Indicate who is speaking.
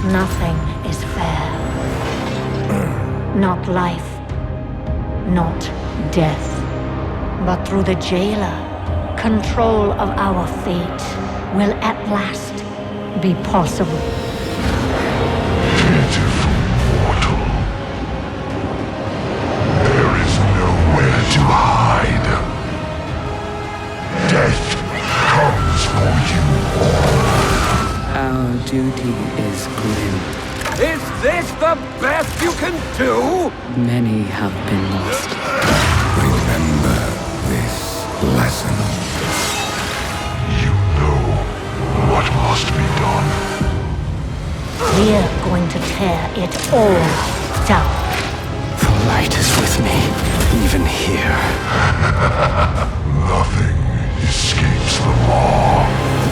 Speaker 1: Nothing is fair. Not life, not death. But through the jailer, control of our fate will at last be possible.
Speaker 2: Pitiful mortal. There is nowhere to hide. Death comes for you all.
Speaker 3: Our duty is grim.
Speaker 4: Is this the best you can do?
Speaker 3: Many have been lost.
Speaker 2: Remember this lesson. You know what must be done.
Speaker 1: We're going to tear it all down.
Speaker 3: The light is with me, even here.
Speaker 2: Nothing escapes the law.